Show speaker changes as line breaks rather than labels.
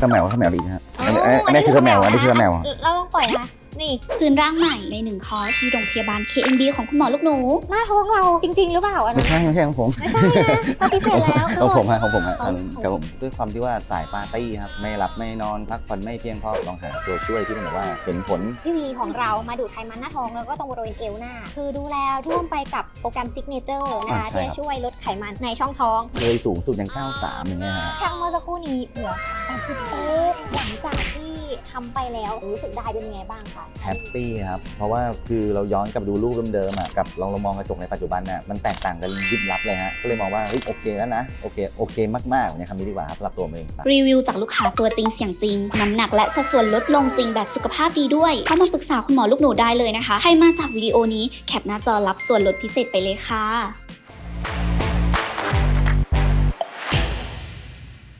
ข้าวแมวดีฮะอันนี้คือข้าวแมว
เราต้องปล่อยนะนี่
คืนร่างใหม่ใน1 คอร์สที่โรงพยาบาล KMD ของคุณหมอลูกหนู
หน้าท้องเราจริงๆหรือเปล่าอันนั้น
ไม่ใช่ของผม
ไม่ใช่นะปฏิเสธแล้ว
ของผมฮะครับผมด้วยความที่ว่าสายปาร์ตี้ครับไม่หลับไม่นอนพักผ่อนไม่เพียงพอลองหาตัวช่วยที่มันแบบว่าเห็นผล
พี่วีของเรามาดูดไขมันหน้าท้องแล้วก็ตรงบริเวณเอวหน้าคือดูแลร่วมไปกับโปรแกรมซิกเนเจอร์นะคะที่จะช่วยลดไขมันในช่องท้อง
เลยสูงสุดอย่าง93อย่างเงี้ยฮะ
แค่เมื่อสักครู่นี้เหลือ80หลังจากที่ทำไปแล้วรู้สึกได้เป็นยังไงบ้างคะ
แฮปปี้ครับเพราะว่าคือเราย้อนกลับดูรูปเดิมๆกับลองมองกระจกในปัจจุบันน่ะมันแตกต่างกันยิบลับเลยฮะก็เลยมองว่าเฮ้ยโอเคแล้วนะโอเคมากๆเนี่ยคำนี้ดีกว่าครับสำหรับตัวเอง
รีวิวจากลูกค้าตัวจริงเสียงจริงน้ำหนักและสัดส่วนลดลงจริงแบบสุขภาพดีด้วยเข้ามาปรึกษาคุณหมอลูกหนูได้เลยนะคะใครมาจากวิดีโอนี้แคปหน้าจอรับส่วนลดพิเศษไปเลยค่ะ